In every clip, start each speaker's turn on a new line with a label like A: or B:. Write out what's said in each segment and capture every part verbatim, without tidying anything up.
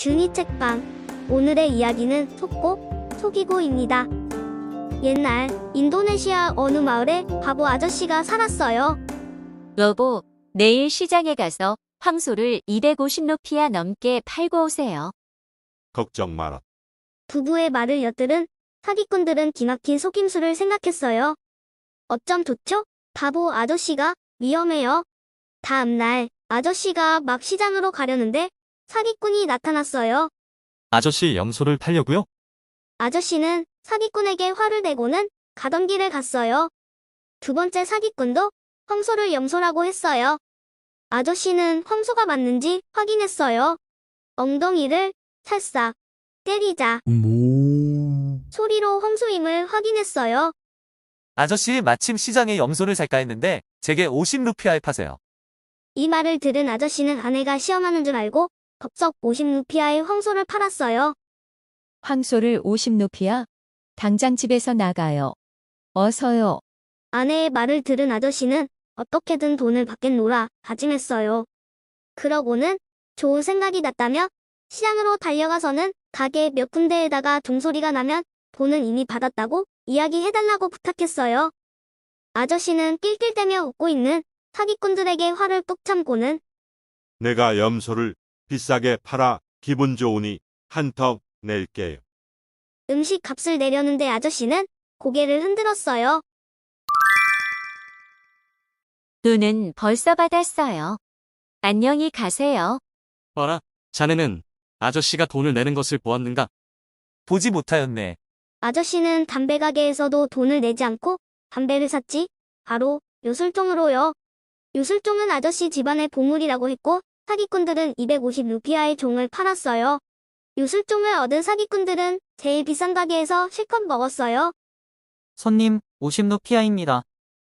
A: 준이 책방. 오늘의 이야기는 속고, 속이고입니다. 옛날 인도네시아 어느 마을에 바보 아저씨가 살았어요.
B: 여보, 내일 시장에 가서 황소를 이백오십 루피아 넘게 팔고 오세요.
C: 걱정 마라.
A: 부부의 말을 엿들은 사기꾼들은 기막힌 속임수를 생각했어요. 어쩜 좋죠? 바보 아저씨가 위험해요. 다음날 아저씨가 막 시장으로 가려는데 사기꾼이 나타났어요.
D: 아저씨 염소를 팔려고요?
A: 아저씨는 사기꾼에게 화를 내고는 가던 길을 갔어요. 두 번째 사기꾼도 황소를 염소라고 했어요. 아저씨는 황소가 맞는지 확인했어요. 엉덩이를 살짝 때리자 소리로 황소임을 확인했어요.
E: 아저씨 마침 시장에 염소를 살까 했는데 제게 오십 루피아에 파세요.
A: 이 말을 들은 아저씨는 아내가 시험하는 줄 알고 덥석 오십 루피아의 황소를 팔았어요.
B: 황소를 오십 루피아? 당장 집에서 나가요. 어서요.
A: 아내의 말을 들은 아저씨는 어떻게든 돈을 받겠노라 다짐했어요. 그러고는 좋은 생각이 났다며 시장으로 달려가서는 가게 몇 군데에다가 종소리가 나면 돈은 이미 받았다고 이야기해달라고 부탁했어요. 아저씨는 낄낄대며 웃고 있는 사기꾼들에게 화를 뚝 참고는
C: 내가 염소를 비싸게 팔아 기분 좋으니 한턱 낼게요.
A: 음식 값을 내려는데 아저씨는 고개를 흔들었어요.
B: 돈은 벌써 받았어요. 안녕히 가세요.
D: 어라, 자네는 아저씨가 돈을 내는 것을 보았는가?
E: 보지 못하였네.
A: 아저씨는 담배 가게에서도 돈을 내지 않고 담배를 샀지. 바로 요술종으로요. 요술종은 아저씨 집안의 보물이라고 했고 사기꾼들은 이백오십 루피아의 종을 팔았어요. 요술종을 얻은 사기꾼들은 제일 비싼 가게에서 실컷 먹었어요.
F: 손님, 오십 루피아입니다.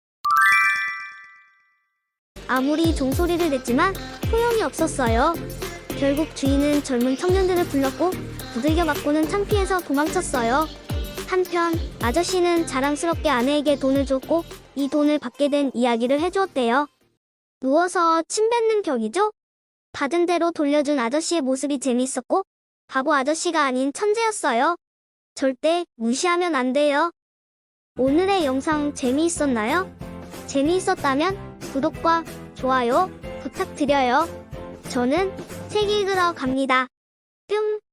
A: 아무리 종소리를 냈지만 소용이 없었어요. 결국 주인은 젊은 청년들을 불렀고 두들겨 맞고는 창피해서 도망쳤어요. 한편 아저씨는 자랑스럽게 아내에게 돈을 줬고 이 돈을 받게 된 이야기를 해주었대요. 누워서 침 뱉는 격이죠? 받은 대로 돌려준 아저씨의 모습이 재미있었고 바보 아저씨가 아닌 천재였어요. 절대 무시하면 안 돼요. 오늘의 영상 재미있었나요? 재미있었다면 구독과 좋아요 부탁드려요. 저는 책 읽으러 갑니다. 뿅!